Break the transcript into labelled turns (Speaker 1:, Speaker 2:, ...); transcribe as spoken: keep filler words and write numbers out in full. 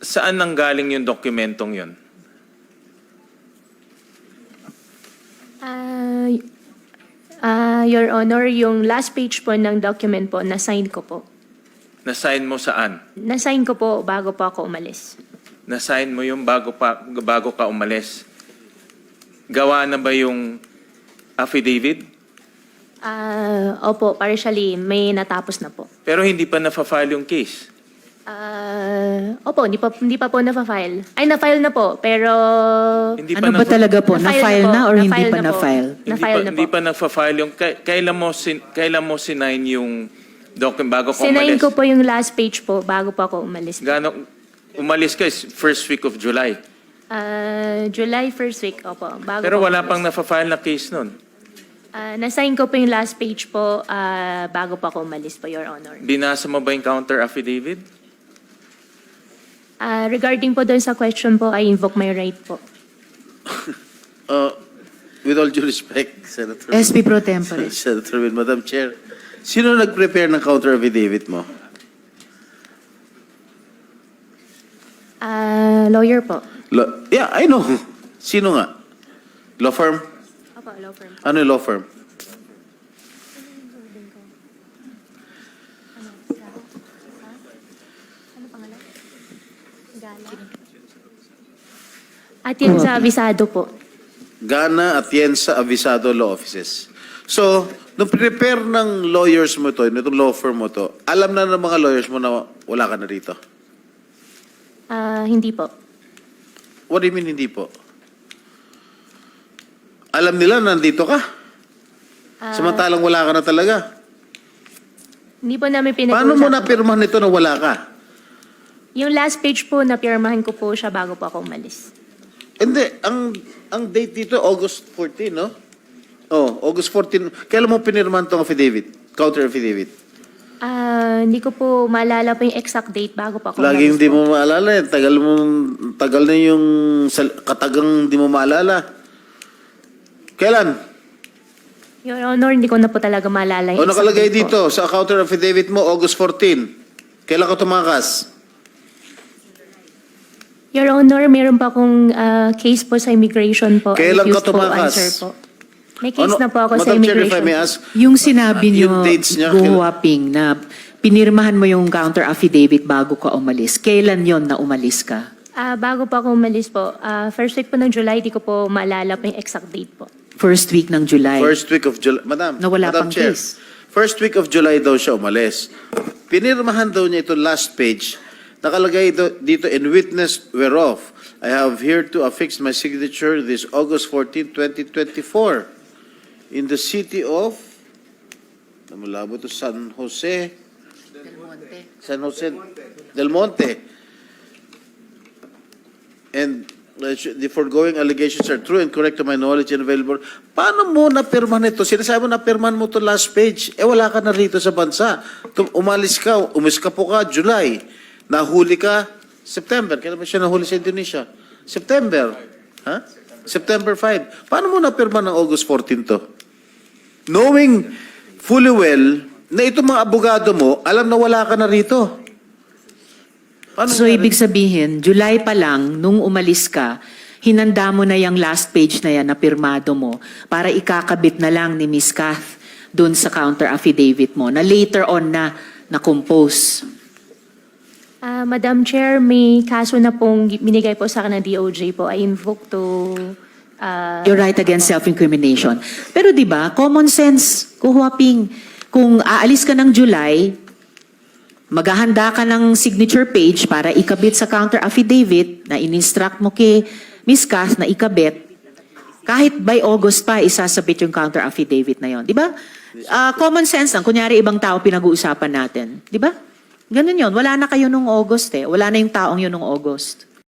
Speaker 1: saan nanggaling yung dokumentong yun?
Speaker 2: Ah, ah, Your Honor, yung last page po ng document po, na-sign ko po.
Speaker 1: Na-sign mo saan?
Speaker 2: Na-sign ko po bago po ako umalis.
Speaker 1: Na-sign mo yung bago, pa, bago ka umalis. Gawa na ba yung affidavit?
Speaker 2: Ah, opo, partially, may natapos na po.
Speaker 1: Pero hindi pa na-file yung case.
Speaker 2: Ah, opo, hindi pa, hindi pa po na-file. Ay, na-file na po, pero...
Speaker 1: Hindi
Speaker 3: Ano
Speaker 1: pa
Speaker 3: ba
Speaker 1: na-
Speaker 3: talaga po?
Speaker 2: Na-file
Speaker 3: Na-file
Speaker 2: na
Speaker 3: na
Speaker 2: po.
Speaker 3: or hindi
Speaker 2: Na-file
Speaker 3: pa
Speaker 2: na po.
Speaker 3: na-file?
Speaker 1: Hindi
Speaker 2: Na-file
Speaker 1: pa,
Speaker 2: na
Speaker 1: hindi
Speaker 2: po.
Speaker 1: pa nag-file yung... kay- Kailan mo, sin, kailan mo sinign yung document bago ka
Speaker 2: Sinayin
Speaker 1: umalis?
Speaker 2: ko po yung last page po bago po ako umalis.
Speaker 1: Gano, umalis ka is first week of July.
Speaker 2: Ah, July first week, opo. Bago
Speaker 1: Pero
Speaker 2: po
Speaker 1: wala
Speaker 2: umalis.
Speaker 1: pang na-file na case nun.
Speaker 2: Ah, na-sign ko po yung last page po ah, bago po ako umalis po, Your Honor.
Speaker 1: Binasa mo ba yung counter affidavit?
Speaker 2: Ah, regarding po doon sa question po, I invoke my right po.
Speaker 4: Uh, with all due respect, Senator.
Speaker 3: S P Pro Tempore.
Speaker 4: Senator Will, Madam Chair, sino nag-prepare ng counter affidavit mo?
Speaker 2: Ah, lawyer po.
Speaker 4: Lo- yeah, I know. Sino nga? Law firm?
Speaker 2: Opo, law firm.
Speaker 4: Ano yung law firm?
Speaker 2: Ano pangalan? Gala. At yun sa abisado po.
Speaker 4: Gana Atienza Avisado Law Offices. So, nung prepare ng lawyers mo to, nitong law firm mo to, alam na ng mga lawyers mo na wala ka na rito?
Speaker 2: Ah, hindi po.
Speaker 4: What do you mean hindi po? Alam nila na nandito ka?
Speaker 2: Ah,
Speaker 4: Samantalang wala ka na talaga.
Speaker 2: Hindi po namin pinag-uusap.
Speaker 4: Paano mo napirmahan nito na wala ka?
Speaker 2: Yung last page po, napirmahan ko po siya bago po ako umalis.
Speaker 4: Hindi, ang ang date dito August fourteen, no? Oh, August fourteen. Kailan mo pinirmahan tong affidavit? Counter affidavit.
Speaker 2: Ah, hindi ko po maalala po yung exact date bago po ako
Speaker 4: Laging
Speaker 2: umalis
Speaker 4: hindi
Speaker 2: po.
Speaker 4: mo maalala eh. Tagal mo tagal na yung sal- katagang hindi mo maalala. Kailan?
Speaker 2: Your Honor, hindi ko na po talaga maalala
Speaker 4: O
Speaker 2: yung exact
Speaker 4: nakalagay
Speaker 2: date po.
Speaker 4: dito sa counter affidavit mo August fourteen. Kailan ka tumakas?
Speaker 2: Your Honor, meron pa akong ah, case po sa immigration po.
Speaker 4: Kailan ka
Speaker 2: Refused po
Speaker 4: tumakas?
Speaker 2: answer po. May case
Speaker 4: Ano-
Speaker 2: na po ako sa
Speaker 4: Madam Chair, if I
Speaker 2: immigration.
Speaker 4: may ask,
Speaker 3: Yung sinabi
Speaker 4: Ah,
Speaker 3: niyo,
Speaker 4: yung dates niya,
Speaker 3: Go Huaping, na pinirmahan mo yung counter affidavit bago ka umalis. Kailan yon na umalis ka?
Speaker 2: Ah, bago po ako umalis po, ah, first week po ng July, di ko po maalala po yung exact date po.
Speaker 3: First week ng July.
Speaker 4: First week of July. Madam,
Speaker 3: Na wala
Speaker 4: Madam
Speaker 3: pang
Speaker 4: Chair,
Speaker 3: case.
Speaker 4: first week of July daw siya umalis. Pinirmahan daw niya ito last page. Nakalagay ito, dito, in witness whereof, I have here to affix my signature this August fourteenth, twenty twenty-four in the city of, namulabo to, San Jose, San Jose Del Monte. And uh, the foregoing allegations are true and correct to my knowledge and available. Paano mo napirmahan ito? Sinasabi mo napirmahan mo to last page. Eh wala ka na rito sa bansa. Tum- Umalis ka, umiskapo ka, July. Nahuli ka, September. Kailan ba siya nahuli sa Indonesia? September. Ha? September fifth. Paano mo napirmahan ng August fourteenth to? Knowing fully well na itong mga abogado mo, alam na wala ka na rito. Paano
Speaker 3: So,
Speaker 4: nga
Speaker 3: ibig sabihin, July pa lang, nung umalis ka, hinanda mo na yung last page na yan na pirmado mo para ikakabit na lang ni Miss Kath dun sa counter affidavit mo na later on na na-compose.
Speaker 2: Ah, Madam Chair, may kaso na pong binigay po sa akin ng D O J po. I invoke to... ah,
Speaker 3: You're right against self-incrimination. Pero di ba, common sense, kuhuaping, kung aalis ka ng July, maghahanda ka ng signature page para ikabit sa counter affidavit na in-instruct mo kay Miss Kath na ikabit, kahit by August pa, isasabit yung counter affidavit na yon, di ba? Ah, common sense lang, kunyari ibang tao pinag-uusapan natin, di ba? Ganun yon, wala na kayo nung August eh, wala na yung taong yun nung August.